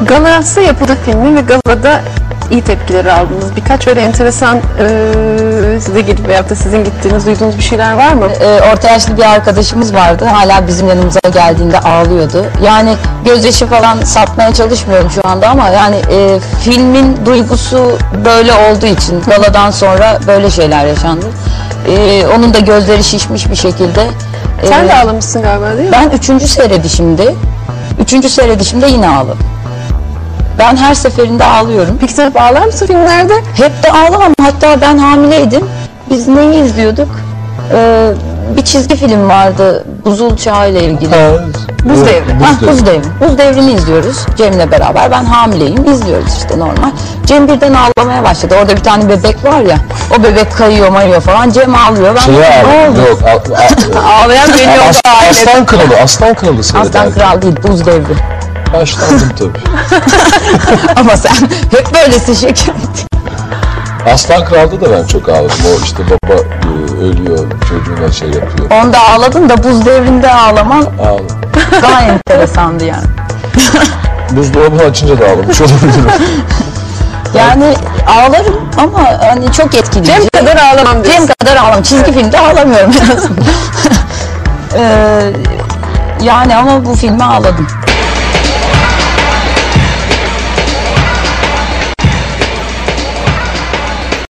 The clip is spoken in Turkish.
Galası yapıldı filmi ve galada iyi tepkileri aldınız. Birkaç öyle enteresan size gelip veyahut da sizin gittiğiniz, duyduğunuz bir şeyler var mı? Orta yaşlı bir arkadaşımız vardı. Hala bizim yanımıza geldiğinde ağlıyordu. Yani gözyaşı falan satmaya çalışmıyorum şu anda ama yani filmin duygusu böyle olduğu için galadan sonra böyle şeyler yaşandı. Onun da gözleri şişmiş bir şekilde. Sen de ağlamışsın galiba, değil mi? Ben üçüncü seyredişimde yine ağladım. Ben her seferinde ağlıyorum. Peki sen hep ağlar mısın filmlerde? Hep de ağlamam. Hatta ben hamileydim. Biz neyi izliyorduk? Bir çizgi film vardı. Buzul Çağı ile ilgili. Buz Devri. Buz Devri. Buz Devri'ni izliyoruz Cem'le beraber. Ben hamileyim. İzliyoruz işte normal. Cem birden ağlamaya başladı. Orada bir tane bebek var ya. O bebek kayıyor mayıyor falan. Cem ağlıyor. Ben Yok. Ağlayan beni yok. Aslan Kralı. Aslan Kralı seyrederdim. Aslan Kral değil. Buz Devri. Başlandım tabii. Ama sen hep böylesin şeker. Aslan Kral'da da ben çok ağladım. O işte baba ölüyor, çocuğuna şey yapıyor. Onda ağladın da Buz Devri'nde ağlaman Ağladım. daha enteresandı yani. Buzdolabını açınca da ağlamış olabilirim. Yani ağlarım ama hani çok etkileyici. Cem kadar ağlamam diyorsun. Cem kadar ağlamam. Çizgi filmde ağlamıyorum en azından. Yani ama bu filme ağladım.